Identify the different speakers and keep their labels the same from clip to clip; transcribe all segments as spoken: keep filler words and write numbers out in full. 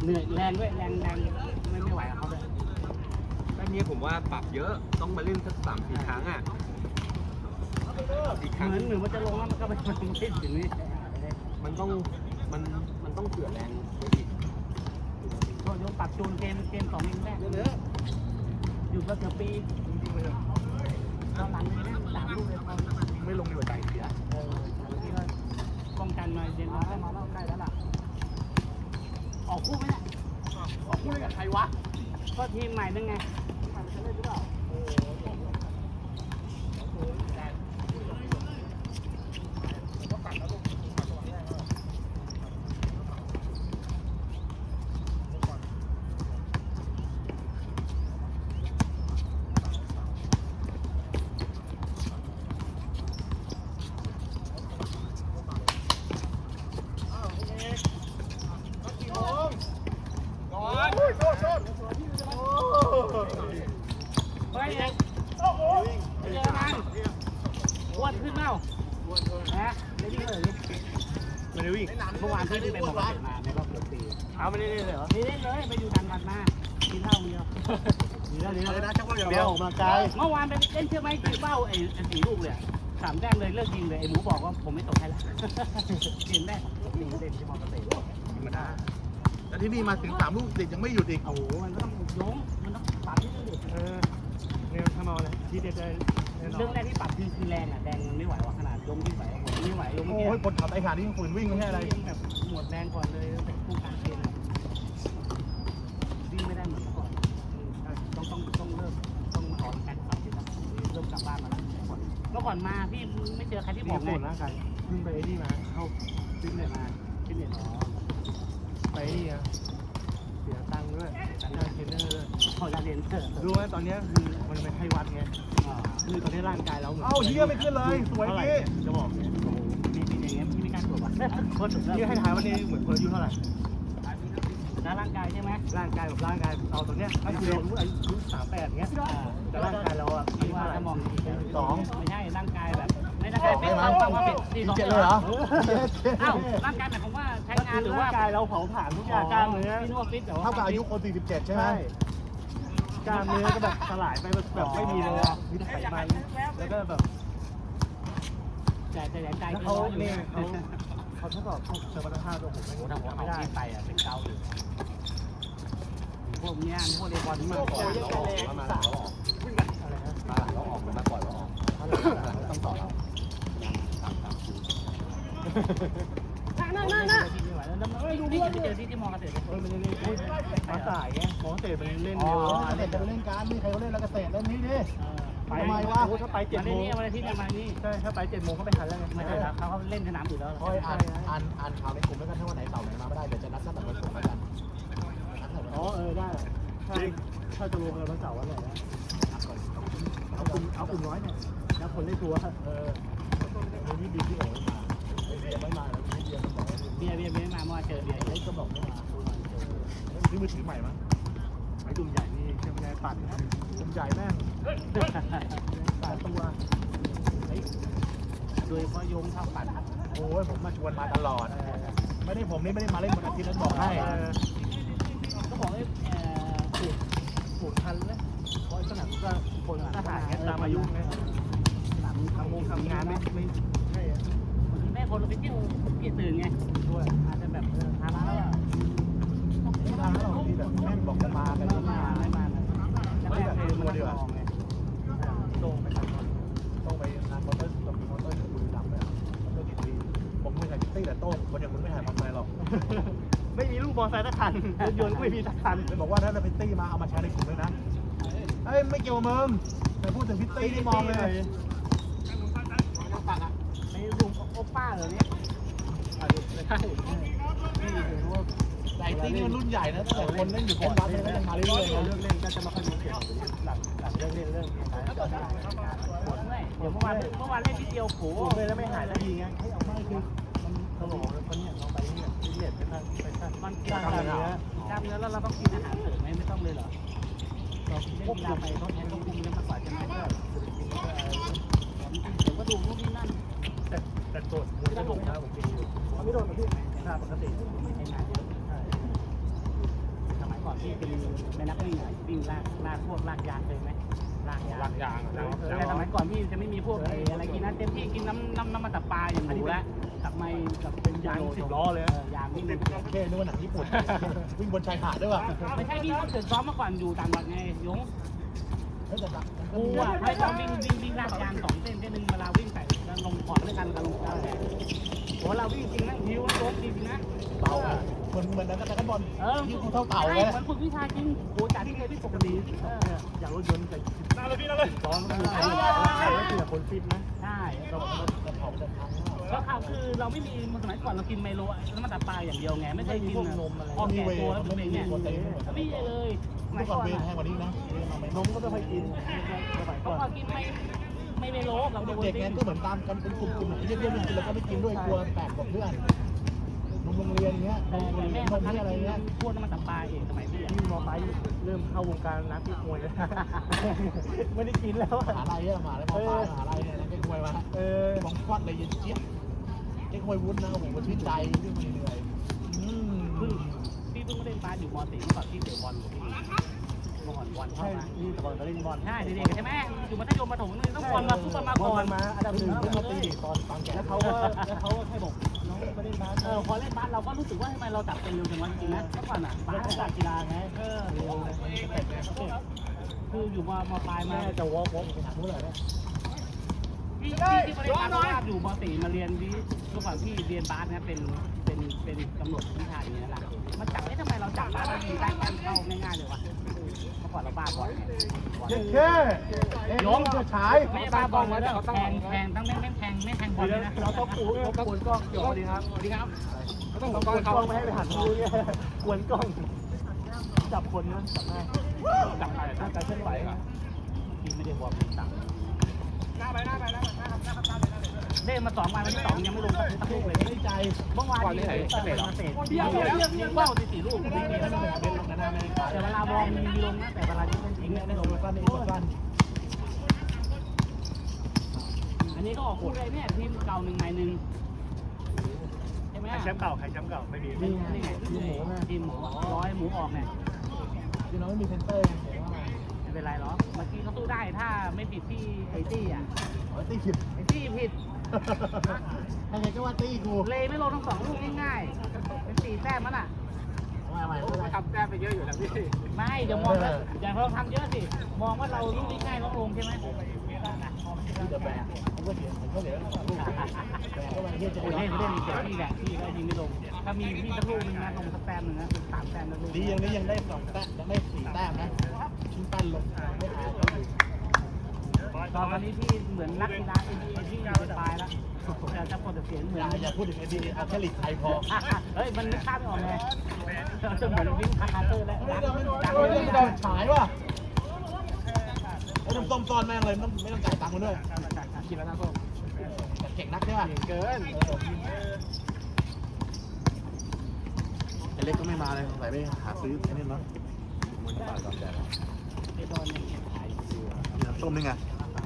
Speaker 1: เหนื่อยแรงด้วยแรงแรงไม่ไม่ไหวกับเขาเลย
Speaker 2: แล้วนี้ผมว่าปรับเยอะต้องมาเล่นสักสามสี่ครั้งอ่ะ
Speaker 1: เหมือนหรือมันจะลงแล้วมันก็ไม่ไม่ถึงนี่
Speaker 2: มันต้องมันมันต้องเผื่อแรงไปอีก
Speaker 1: โยนปรับจูนเกมเกมสองเองแรกอยู่ก็เกือบปีตอนหลังเลยนะสามลูกเลยตอน
Speaker 2: ไม่ลงในหัวใจเสีย
Speaker 1: เออที่ว่าป้องกันมาเย็นมาแล้วมาแล้วใกล้แล้วล่ะออกคู่ไหมเนี่ย
Speaker 2: ออกคู่กับใครวะ
Speaker 1: ก็ทีมใหม่นั่นไงมันจะเล่นหรือเปล่าเฮ้ยโอ้โหเจอมันอ้วนขึ้นเปล่าฮะไม่ได้เลย
Speaker 2: ไม่ได้วิ่ง
Speaker 1: เมื่อวานที่ไปบอกกันมาในรอบเกือบปี
Speaker 2: เอาไม่ได้เลยเหรอ
Speaker 1: ไม่ได้เลยไปดูดันกันมากินเหล้าเดียว
Speaker 2: นี่แล้วนี่แล้วนะชักว่าอย่างเดียวออกมาไกล
Speaker 1: เมื่อวานไปเล่นเชื่อไหมกินเบ้าไอ้สี่ลูกเลยสามแต้มเลยเลิกยิงเลยไอ้หมูบอกว่าผมไม่ตกให้ละกินได้ยิงเล่นที่มอเตอร์ไซค์
Speaker 2: ธรรมดาแล้วที่นี่มาถึงสามลูกติดยังไม่หยุดอีก
Speaker 1: โอ้โหมันต้องยงมันต้องปรับที่เด็ก
Speaker 2: เออเนี่ยทำเอาเลยที่เด็ดเลย
Speaker 1: เรื่องแรกที่ปรับคือคือแรงอ่ะแรงมันไม่ไหวว่ะขนาดยงที่ไหวผมไม่ไหวยงเมื่อกี้
Speaker 2: โอ้ยปวดขาไอ้ขาที่ฝืนวิ่งไม่ใช่อะไร
Speaker 1: แบบหมดแรงก่อนเลยแต่คู่การเกมวิ่งไม่ได้เหมือนเมื่อก่อนต้องต้องต้องเริ่มต้องมาออกการขับที่แบบเริ่มกลับบ้านมาแล้วเมื่อก่อนมาพี่ไม่เจอใครที่บอกไง
Speaker 2: ร่างกายขึ้นไปที่มาเข้าฟิตเนสมา
Speaker 1: ฟิตเนสอ๋อ
Speaker 2: ไปนี่อ่ะเสียตังค์ด้วยตังค์เทรนเนอร์ด้วย
Speaker 1: พอจะเรียนเถอะ
Speaker 2: รู้ว่าตอนนี้คือมันเป็นให้วัดไงคือตอนนี้ร่างกายเราเหมือนเอ้าเยี่ยไม่ขึ้นเลยสวยพี่จะบอกเนี่ยโอ้โห
Speaker 1: มีมีอย่างเงี้ยพี่ไม่กล้าตรวจว่ะโคตรสุดยอด
Speaker 2: นี่ให้ทายวันนี้เหมือนคนอายุเท่าไหร่
Speaker 1: แล้วร่างกายใช่ไหม
Speaker 2: ร่างกายแบบร่างกายเอาตรงเนี้ยอายุอายุสามแปดเงี้ยแต่ร่างกายเราอ่ะอายุเท่าไหร่สอง
Speaker 1: ไม่ใช่ร่างกายแบบไม่ร่างกายเป็นความความผิดสี่สอง
Speaker 2: เจ็ดเลยเหรอ
Speaker 1: อ้าวร่างกายหมายความว่าใช้งานหรือว่า
Speaker 2: ร่างกายเราเผาผลาญทุกอย่างกล้ามเนื้อ
Speaker 1: พี่นวดฟิตแต่ว่า
Speaker 2: เท่ากับอายุคนสี่สิบเจ็ดใช่ไหมกล้ามเนื้อก็แบบสลายไปแบบไม่มีเลยมีแต่ไขมันแล้วก็แบบ
Speaker 1: แต่แต่ใจ
Speaker 2: เขาเนี่ยเขาเขาทดสอบพวกสมรรถภาพตัวผมไม่
Speaker 1: ทำไม่ได้ไปอ่ะเป็นเกาอยู่พวกนี้พวกเรียบอลมา
Speaker 2: ก่อนเราออกแล้วมาเราออกอะไรนะมาหลังเราออกมาก่อนเราออกมาหลังต้องต่อเรา
Speaker 1: นั่นนั่นนั่นดูนี่จะไปเจอที่ที่มอเกษตร
Speaker 2: เออมันเล่นมาสายไงมอเกษตรมันเล่นเร็วเกษตรจะเล่นการนี่ใครเขาเล่นแล้วเกษตรเล่นนี่ดิไปทำไมวะถ้าไปเจ็ดโมง
Speaker 1: วันอาทิตย์มานี่
Speaker 2: ใช่ถ้าไปเจ็ดโมงเขาไปทันแล้วไง
Speaker 1: ไม่ใช่ครับเขาเล่นสนามอยู่แล้ว
Speaker 2: ค่อยอ่านอ่านอ่านข่าวในกลุ่มแล้วกันถ้าวันไหนเสาร์ไหนมาไม่ได้เดี๋ยวจะนัดสักแต่วันศุกร์แล้วกันอ๋อเออได้ถ้าถ้าจะลงวันเสาร์วันไหนนะเอากลุ่มเอากลุ่มน้อยเนี่ยแล้วคนเล่นตัวเออวันนี้ดีที่โอ้มาเบียร์ไม่มาแล้วเบียร์มันบอก
Speaker 1: เบียร์เบียร์ไม่มาเมื่อเจอเบียร์เฮ้ยก็บอกไม่มา
Speaker 2: ซื้อมือถือใหม่มั้งไอ้ดุ่มใหญ่นี่ใช่ไหมปั่นดุ่มใหญ่แม่งปั่นตัว
Speaker 1: โดยเพราะโยงทับปั่น
Speaker 2: โอ้ยผมมาชวนมาตลอดไม่ได้ผมนี่ไม่ได้มาเล่นวันอาทิตย์นั้นบอกให้
Speaker 1: ก็บอกให้
Speaker 2: ปลูกปลูกทันเลยเพราะสนามก็คนทหารเงี้ยตามอายุไงทำงงทำงานไม่ไม่ใช่
Speaker 1: แม่คนเราไปเที่ยวกี่ตื่นไง
Speaker 2: ด้วย
Speaker 1: อาจจะแบบทำแล้ว
Speaker 2: ทำแล้วเราที่แบบแม่บอกจะมาแต่ไม่มา
Speaker 1: ไม่มา
Speaker 2: ไม่แบบตัวเดียวต้องไปทำต้องไปงานมอเตอร์ต้องมีมอเตอร์จะคุยดำเลยมอเตอร์กี่ปีผมไม่ถ่ายพิตตี้แต่โต้คนอย่างคุณไม่ถ่ายมอเตอร์ไซค์หรอกไม่มีลูกมอเตอร์ไซค์สักคันรถยนต์ก็ไม่มีสักคันเลยบอกว่าถ้าจะพิตตี้มาเอามาแชร์ในกลุ่มเลยนะเอ้ยไม่เกี่ยวมึงแต่พูดถึงพิตตี้ที่มองเลย
Speaker 1: ไม่ดูโอป้าเหรอเนี่ย
Speaker 2: ใช่นี่ถือว่าไอ้ตี้นี่มันรุ่นใหญ่นะแต่คนเล่นอยู่คนบ้านเลยก็ยังมาเรื่อยๆเลิกเล่นก็จะมาค่อยมีเสียงหลังหลังเลิกเล่นเลิกเล่นแล้วก็ได้
Speaker 1: ปวดด้วยเดี๋ยวเมื่อวานเมื่อวานเล่นทีเดียวโผล่
Speaker 2: เลยแล้วไม่หายสักทีไงให้เอาไม่คือมันตลกเลยคนเนี่ยเราไปเนี่ยพิเศษไปทางไปทาง
Speaker 1: มันกล้ามเนื้อกล้ามเนื้อแล้วเราต้องกินอาหารเสริมไหมไม่ต้องเลยเหรอเราพวกเราไปต้องแทนต้องกินแล้วมากกว่าจะไม่ได้เดี๋ยวก็ดูพวกนี้นั่น
Speaker 2: แต่แต่โดดไม่โดดนะผมกินอยู่ไม่โดดนะพี่หน้าปกติ
Speaker 1: ใช้งานเยอะที่เป็นในนักวิ่งอะวิ่งลากลากพวกลากยางเคยไหมลากยาง
Speaker 3: ลากยางอะแล้ว
Speaker 1: แต่สมัยก่อนพี่จะไม่มีพวกไอ้อะไรกินนะเต็มที่กินน้ำน้ำน้ำมันตับปลาอย่างหนูแล้วกับไม่กับเป็นยาง
Speaker 3: สิบล้อเลย
Speaker 1: ยางวิ่ง
Speaker 2: แค่นึกว่าหนังญี่ปุ่นวิ่งบนชายหาดด้วยว่ะ
Speaker 1: ไม่ใช่พี่เขาเกิดซ้อมมาก่อนอยู่ต่างจังหวัดไงยง
Speaker 2: เฮ้ยแต่ละ
Speaker 1: กูอ่ะให้ซ้อมวิ่งวิ่งวิ่งลากยางสองเส้นเส้นหนึ่งเวลาวิ่งใส่แล้วลงก่อนด้วยกันกับลงกลางแดดโหเราวิ่งจริงนั่งพิ้วนั่งโจ๊กจริงนะ
Speaker 2: เบาอ่ะเหมือนเหมือนนักกระบอล
Speaker 1: เออ
Speaker 2: ที่กูเท่าเต่า
Speaker 1: ใช่
Speaker 2: เลย
Speaker 1: เหมือนฝึกวิชาจริงโหจากที่เคยพี่ปกติเออ
Speaker 3: อย่างรถยนต์ใส่น่าเลยพี่น่าเลยซ้อนก็มีใครใครก็เสียคนฟิตนะ
Speaker 1: ใช่
Speaker 2: เราจะเผาจะพัง
Speaker 1: ก็ข่าวคือเราไม่มีสมัยก่อนเรากินไมโลแล้วมันตับปลาอย่างเดียวไงไม่เคยกินพอแก่ตัวแล้วเป็นเนี่ยไม่เลยสมั
Speaker 2: เมื่
Speaker 1: ย
Speaker 2: อก่
Speaker 1: ก่
Speaker 2: อ
Speaker 1: อน น
Speaker 2: เวรแพงกว่านี้นะ
Speaker 3: นมก็ไม่ค่อยกินสมัย
Speaker 1: เขา
Speaker 3: ก่อน
Speaker 1: ก็กินไม่ไม่ไมโลเราโดน
Speaker 2: เด็ก
Speaker 1: จริ
Speaker 2: ไง
Speaker 1: ง
Speaker 2: ก็เหมือนตามกันเป็นกลุ่มๆเยอะๆกินแล้วก็ไม่กินด้วยกลัวแตกกับเพื่อนนมโรงเรียนเงี้ย
Speaker 1: แต่
Speaker 2: นม
Speaker 1: แม่
Speaker 2: น
Speaker 1: มัน
Speaker 2: ม
Speaker 1: ทำ
Speaker 2: ที่อะไรเงี้ย
Speaker 1: พวกน้ำมันตับปลาเองสมัยพี่
Speaker 3: ที่มอไซค์เริ่มเข้าวงการนักที่มวยแล้วไม่ได้กินแล้ว
Speaker 2: มหาลัยอะมหาลัยมอปลายมหาลัยเนี่ยนักเก็ตมวยมา
Speaker 3: เออ
Speaker 2: มองควัดเลยเย็นเจี๊ยบเก็ตมวยวุ้นนะโอ้โหมันชื่นใจที่มันเหนื่อยอืม
Speaker 1: คือพี่เพิ่งเล่นบาสอยู่มอสี่เมื่อก่อนพี่เตะบอลอยู่พี่เมื่อก่อนบอลเข้า
Speaker 3: ใช่
Speaker 1: มา
Speaker 3: นี่แต่ก่อนก็เล่นบอล
Speaker 1: ใช่เด็กๆใช่ไหมอยู่มัธยมประถมนี่ต้องบอลมาฟุตบอลมา
Speaker 3: บ
Speaker 1: ก่
Speaker 3: อ
Speaker 1: อ
Speaker 3: ล
Speaker 1: น
Speaker 3: มาอันดับหนึ่งเล่นมาตีตอนตอนแก่แล้วเขาก็แล้วเขาก็แค่บอกน้องมาเล่นบาส
Speaker 1: เออพอเล่นบาสเราก็รู้สึกว่าทำไมเราจับเป็นเร็วจังวะจริงๆนะเมื่อก่อนอ่ะบาสเป็นกีฬาไงเออคืออยู่มมปลายมา
Speaker 3: แม่จะวอล์กวอล์กไปถามผู้ใหญ่เนี่ย
Speaker 1: พี่พี่ที่มาเล่นบาสเพราะว่าอยู่มสี่มาเรียนวิเมื่อก่อนพี่เรียนบาสนะเป็นเป็นเป็นกำหนดวิชาอย่างนี้แหละมันจับได้ทำไมเราจับบาสเรายิงได้แค่เข้าง่ายๆเลยวะเมื่อก่อนเราบ้าบอลไง
Speaker 2: เย็นแค่ยงจะฉาย
Speaker 1: ไม่บ้าบอลแล้วแทงแทงตั้งแม่งแม่งแทงไม่แทงบอลเลยนะ
Speaker 3: เราต้องปูเราต้องกวนกล้องเดี๋ยวสวัสดีครับสวัสดีครับต้องกวนกล้องไม่ให้ไปหันดูเนี่ยกวนกล้องจับคนนะจับได้จับใครถ้าใจเคลื่อนไหวอ่ะ
Speaker 1: พี่ไม่ได้บอลสั่งหน้าไปหน้าไปหน้าไปหน้าครับหน้าครับหน้าไปหน้าไปเล่นมาสองวันวันที่สองยังไม่ลงสักลูกเลย
Speaker 2: ไม่ใจ
Speaker 1: เมื่อวานนี้เตะเตะเดียวเดียวยิงเป้าตีสี่ลูกไม่มี
Speaker 2: ไม่
Speaker 1: แล้ว
Speaker 2: ต้องเป็นลงกันหน้าไม่ได้ขาย
Speaker 1: แต่เวลาบอลมีลงนะแต่เวลาที่เล่นจริง
Speaker 2: เนี่ย
Speaker 1: ไม่
Speaker 2: ได้
Speaker 1: ล
Speaker 2: ล
Speaker 1: ง
Speaker 2: งสั้นนี่สั้น
Speaker 1: อันนี้ก็ออกคู่เลยเนี่ยทีมเก่าหนึ่งใหม่หนึ่งใช่ไหม
Speaker 3: แชมป์เก่าใครแชมป์เก่าไม่มี
Speaker 1: นี่นี่ไงทีมหมูทีมหมูร้อยหมูออกเนี่ย
Speaker 2: คือน้องไม่มีเซนเตอร์เห็นว่า
Speaker 1: ไม่เป็นไรหรอกเมื่อกี้เขาสู้ได้ถ้าไม่ผิดที่ไอตี้อ่ะ
Speaker 2: อ๋อตีผิด
Speaker 1: ไอตี้ผิด
Speaker 2: ยังไงก็ว่าตีกู
Speaker 1: เลยไม่ลงทั้งสองลูกง่ายๆเป็นสี่แต้มมันอ่ะ
Speaker 2: มาใหม่ไม่ได้
Speaker 3: ทำแต้มไปเยอะอยู่แล้วพี่
Speaker 1: ไม่เดี๋ยวมองว่าอย่างเราทำเยอะสิ มองว่าเราลูกนี้ง่ายต้องลงใช่ไหม
Speaker 2: ที่จะแบกผมก็เสียผมก็เสียลูกแบกก็มาเฮียจะ
Speaker 1: โอ้ย
Speaker 2: เล่
Speaker 1: เล่
Speaker 2: น
Speaker 1: น
Speaker 2: เล่
Speaker 1: เล่
Speaker 2: น
Speaker 1: นเดี๋ยวพี่แหละพี่ก็ยิงไม่ลง ถ้ามีพี่สักลูกนึงนะลงสักแต้มหนึ่งนะเป็นสามแต้มแล้วลูก
Speaker 2: ดีอย่างนี้ยังได้สองแต้มยังได้สี่แต้มนะชิ้นปั้นลงไม่หายก็อยู่
Speaker 1: ตอนนี้พี่เหมือนนักกีฬาเอ็นบีที่อยู่ปลายแล้วจะจะปลดเสียงเหมื
Speaker 2: อ
Speaker 1: อน
Speaker 2: ย่าอย่าพูดถึงไอ้ดีเอาแค่หลีกไทยพอ
Speaker 1: เฮ้ยมันนึกภาพไม่ออกไงจะเหมือนวิ่งคาร์เตอร์แล้ว
Speaker 2: ไม่ต้องไม่ต้องฉายว่ะไอ้น้ำส้มซ้อนแม่งเลยไม่ต้องไม่ต้องจ่ายตังค์มันด้วย
Speaker 3: กินแล้วนะส้ม
Speaker 2: แต่เก่งนักใช่ป่ะ
Speaker 3: เกิน
Speaker 2: ไอ้เล็กก็ไม่มาเลยสงสัยไปหาซื้อไอ้นี่เนาะมันบาทสองแสน
Speaker 1: ไอ้ตอนนี้ขายอยู่
Speaker 2: มีน้ำส้มนี่ไง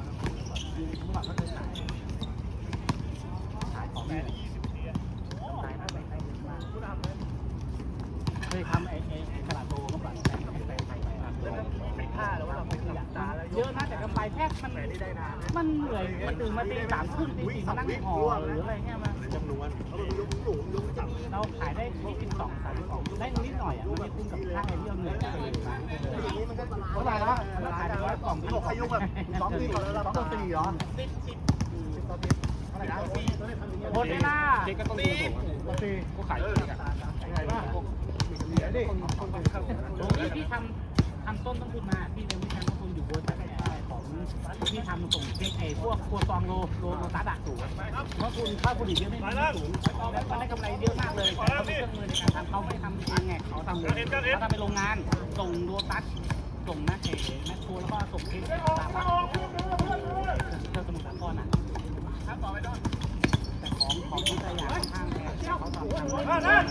Speaker 1: ขายของแม่เลยขายน่าไปใครมากเคยทำไอ้ไอ้ตลาดโตเมื่อก่อนแต่ไม่แต่ใครไป
Speaker 3: เป็นผ้าแล้วว่าเราไม่อยากตาแล้ว
Speaker 1: เยอะนะแต่กำไรแทบมันมันเหนื่อยมันตื่นมาตีสามครึ่งตีสี่มานั่งห่อหรืออะไรเงี้ยมา
Speaker 2: จำนวน
Speaker 1: เราขายได้ที่สิบสองสามสิบสองได้นิดหน่อยอ่ะมันไม่คุ้มกับค่าไอ้ที่เราเหนื่อยไปเลยมา
Speaker 2: เท่าไหร่ละ
Speaker 1: แล้วขายได้ร้อยกล่อง
Speaker 2: ที่บอกขยุกแบบสองปีก่อนแล้วสองต่อสี่เหรอ
Speaker 1: สิบสิบ
Speaker 2: เท่าไหร่นะ
Speaker 1: หมดเวลา
Speaker 3: เจ๊ก็ต้องดูผมก็ตีก็ขายเองอ่ะ
Speaker 2: ยังไงบ้างเหลือดิ
Speaker 1: ตรงนี้พี่ทำทำต้นต้นทุนมาพี่เป็นวิชาต้นทุนอยู่บนแต่ของพี่ทำส่งเช็คไอ้พวกครัวซองโลโลโลตัสอะสูงเพราะคุณค่าผลิตเยอะไม่ไม่สูงแล้วมันได้กำไรเยอะมากเลยเขามีเครื่องมือในการทำเขาไม่ทำเองไงเขาทำเลยเขาทำเป็นโรงงานส่งโลตัสส่งนะเอ๋แมคโครแล้วก็ส่งเช็คตามมาเจ้าสมุทรสาครอ่ะแต่ของของที่สยามข้างแพงเขาทำทำเลย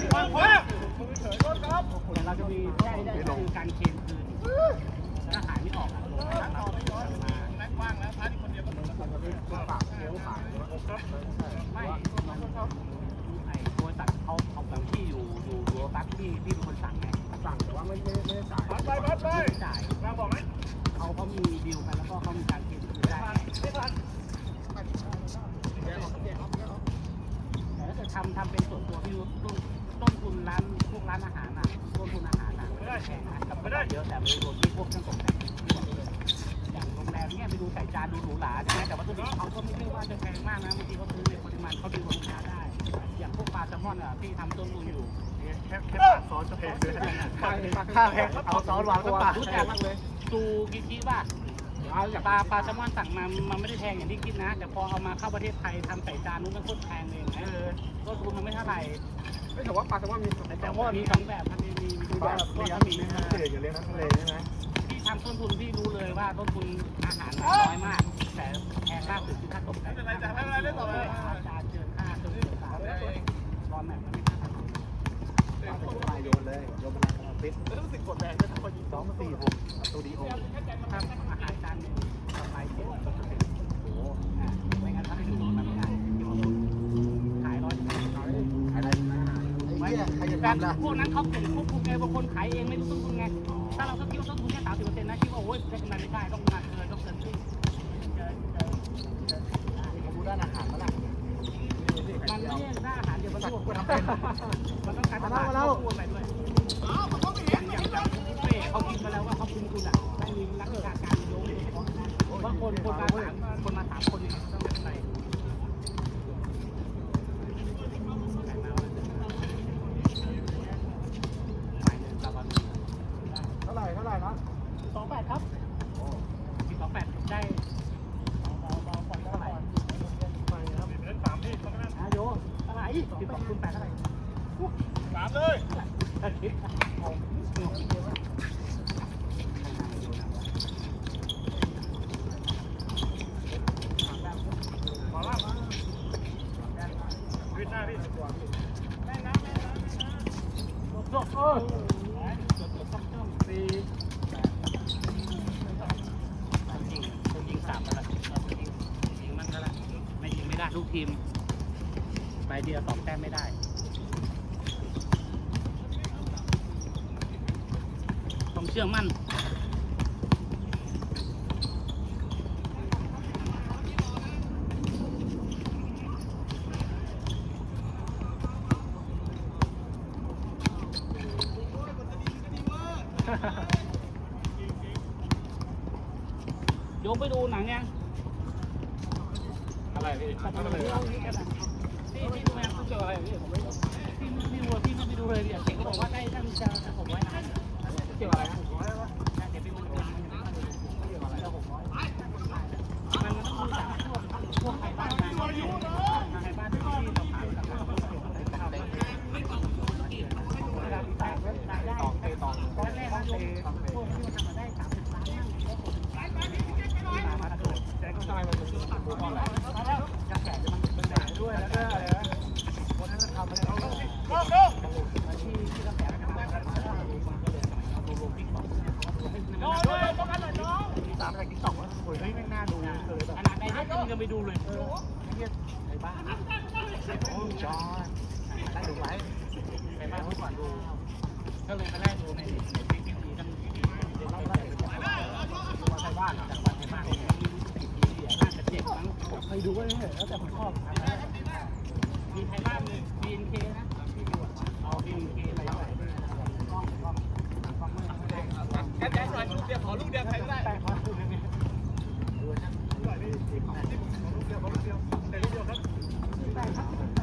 Speaker 1: แต่เราจะมีแค่ได้คือการเค็มคืนถ้าขายไม่ออกอ่ะไม่ไอ้บริษัทเขาเขาแบบที่อยู่อยู่โลตัสที่ที่เป็นคนสั่งไง
Speaker 3: สั่งแต่ว่าไม่ไม่ไม่ได้สั่ง
Speaker 1: มีต้นต้นทุนร้านพวกร้านอาหารน่ะต้นทุนอาหารน่ะไม่ได้แพงนะกับไม่ได้เยอะแต่ไม่รวมที่พวกเครื่องตกแต่งที่บอกเลยอย่างโรงแรมเนี่ยไปดูใส่จานดูหรูหราใช่ไหมแต่วัตถุดิบเขาก็ไม่ใช่ว่าจะแพงมากนะบางทีเขาซื้อในปริมาณเขาดีกว่าลูกค้าได้อย่างพวกปลาแซลมอนอ่ะที่ทำต้นทุนอยู่
Speaker 2: แค่แค่ปากซอสก็แพงเลยค่าแพงเอาซอสวางก็ปาก
Speaker 1: รู้จักมากเลยซูกิคิป่ะปลาปลาแซลมอนสั่งมามันไม่ได้แพงอย่างที่คิดนะ แต่พอเอามาเข้าประเทศไทยทำใส่จานนู้นมันโคตรแพงเลยนะต้นทุนมันไม่เท่าไหร่
Speaker 3: ไม่แต่ว่าปลาแซลมอนมี
Speaker 1: แต่ว่ามีสองแบบมันมีมีมี
Speaker 2: ป
Speaker 1: แบ
Speaker 2: ลา
Speaker 1: บก็
Speaker 2: เลี้ยง
Speaker 1: มี
Speaker 2: มีน้ำทะเลอยู่เลี้ยงน้ำทะเลใช่ไหม
Speaker 1: ที่ทำต้นทุนที่รู้เลยว่าต้นทุนอาหารน้อยมาก แต่แพงมากสุดคือค่าตกแต่งค่าจานเกินค่าเครื่องเกินค่าร้อนแบบมันไม่ค่าทำ
Speaker 2: ไปโยนเลยโยนเป็นลักษณะฟิตแล้วรู้สึกกดแรงด้วยพอยิงสองสี่หกตูดิโอ
Speaker 1: ถ้าอาหารจานหนึ่งกำไรเจ็ดสิบเปอร์เซ็นต์โอ้โหไม่งั้นถ้าไม่ดูมันไม่ได้ขายร้อยขาย
Speaker 2: อะไรไอ้เหี้ยใครจะ
Speaker 1: แต่
Speaker 2: ทำล่ะ
Speaker 1: พวกนั้นเขาเก่งควบคุมไงบางคนขายเองไม่รู้ต้นทุนไง ถ้าเราก็คิดว่าต้นทุนแค่สามสิบเปอร์เซ็นต์นะคิดว่าโอ้ยได้กำไรไม่ได้ต้องมาเกินต้องเกินครึ่งเจอเจอเจอ
Speaker 2: ผมดูด้านอาหารมาละ
Speaker 1: มันไม่ใช่หน้าอาหารเดียวมันรวมกันเป็นมันต้องการตลาดควบคู่ไปด้วยอย่างอย่างอย่างบุฟเฟ่เขาคิดมาแล้วว่าเขาคุมคุณอ่ะไม่มีนักวิชาการโยงบางคนคนมาสามคนมาสามคนเนี่ยต้องเป็นใคร
Speaker 3: เท่าไหร่เท่าไหร่นะ
Speaker 1: สองแปดครับมีสองแปดได้เบาเบาผ่อนเท่าไหร่
Speaker 3: ไปครับ
Speaker 1: อาโยเท่าไหร่สิบสองคูณแปดเท่าไหร่
Speaker 2: สามเลย
Speaker 1: อาทิตย์งงงงเยอะวะขอลาบมา
Speaker 2: วิทหน้าพี่
Speaker 1: แม่น้ำแม่น้ำแม่น้ำจบเออจบจบจบจบสี่ยิงต้องยิงสามแล้วยิงยิงมันก็แล้วไม่ยิงไม่ได้ทุกทีมไปเดียวสองแต้มไม่ได้ต้องเชื่อมั่น โยมไปดูหนังยัง
Speaker 2: อะไรพี่
Speaker 1: ตัดอะไรพี่พี่ดูยังเกี่ยวอะไรพี่ผมไม่รู้พี่พี่วัวพี่ไม่ไปดูเลยเนี่ยเก่งก็บอกว่าได้ตั้งใจจะหกร้อยนะเกี่ยวอะไรนะหกร้อยแล้วเดี๋ยวพี่มันมันยังไม่ได้ดูเกี่ยวอะไรแล้วหกร้อยมันมันต้องดูจากพวกพวกไทยบ้านนะไทยบ้านที่ที่เราขายกับเราเอาได้ได้ได้ตองเตตองตอนแรกนะโยมพวกที่มันทำมาได้สามสิบล้านนั่งมามาตะโกนแต่ก็ทำไมมันถึงตัดหัวก่อนล่ะแล้วกระแสจะมันเป็นแบบด้วยแล้วก็อะไรนะวันนั้นทำอะไรเอาที่ที่กระแสมันทำอะไรเอาดูลงติ๊กต็อกน้องเลยป้องกันหน่อยน้องตามจากติ๊กต็อกว่าโอ้ยไม่น่าดูเลยแบบขนาดไหนเนี่ยมึงจะไปดูเลยเออไอ้เหี้ยไอ้บ้าโอ้จอนได้ดูไหมไอ้บ้าเมื่อก่อนดูก็เลยมาไล่ดูในในติ๊กต็อกทั้งไทยบ้านจากวันไทยบ้านน่าจะเจ็บมั้งไปดูก็ได้แล้วแต่ผมชอบมีไทยบ้านมี บี เอ็น เค นะที่ดูเอา บี เอ็น เค ไปเท่าไหร่กล้องกล้องกล้องไม่ได้แก๊สหน่อยลูกเดียวขอลูกเดียวใครก็ได้แต่ขอลูกเดียวดูนะลูกเดียวลูกเดียวขอลูกเดียวแต่ลูกเดียวครับแต่ครับแต่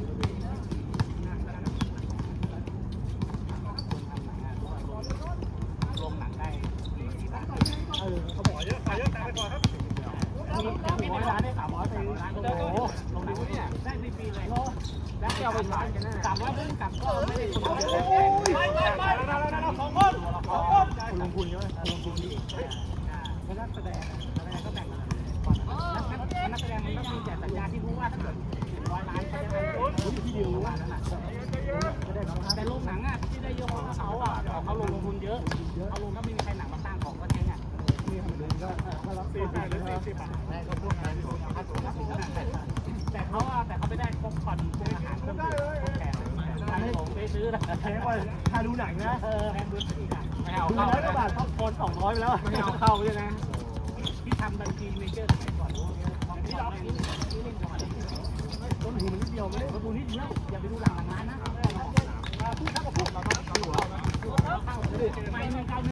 Speaker 1: ลงหนังได้ที่บ้านเออเขาบอกเยอะไปเยอะแต่ไปก่อนครับมีร้อยล้านได้สามร้อยไปร้านโอ้โหลงหนังเนี่ยได้ฟรีๆเลยแล้วจะเอาไปขายกันนะสามร้อยเพิ่งกลับก็ไม่ได้คนเยอะไปไปไปเราเราเราสองคนสองคนคุณลงทุนเยอะคุณลงทุนดีแล้วนักแสดงนักแสดงก็แบ่งกันนักแสดงมันต้องมีแต่สัญญาที่รู้ว่าถ้าเกิดร้อยล้านเขาจะได้ที่เดียวประมาณนั้นแหละแต่โรงหนังอ่ะที่ได้เยอะเพราะเขาอ่ะเขาลงทุนเยอะเขาลงก็ไม่มีใครหนังมาสร้างของก็เจ๊งอ่ะนี่ทำดูก็ถ้ารับสี่สิบหรือสี่สิบอ่ะเขาพูดมาแต่เขาแต่เขาไม่ได้พวกผ่อนพวกอาหารพวกแขกผมไปซื้อนะแพงกว่าถ้าดูหนังนะเออแพงดูอีกอ่ะไม่เอาเข้าแล้วก็บาทต้องโอนสองร้อยไปแล้วไม่เอาเข้าใช่ไหมที่ทำบัญชีเมเจอร์สมัยก่อนที่เราที่เล่นจังหวัดต้นทุนมันนิดเดียว
Speaker 3: ยวไม่ได้
Speaker 1: ประตูนี้เดียวอย่าไปดูหลังหลังร้านนะพูดครับพูดเราต้องดูเราเข้าไม่ไม่ไกล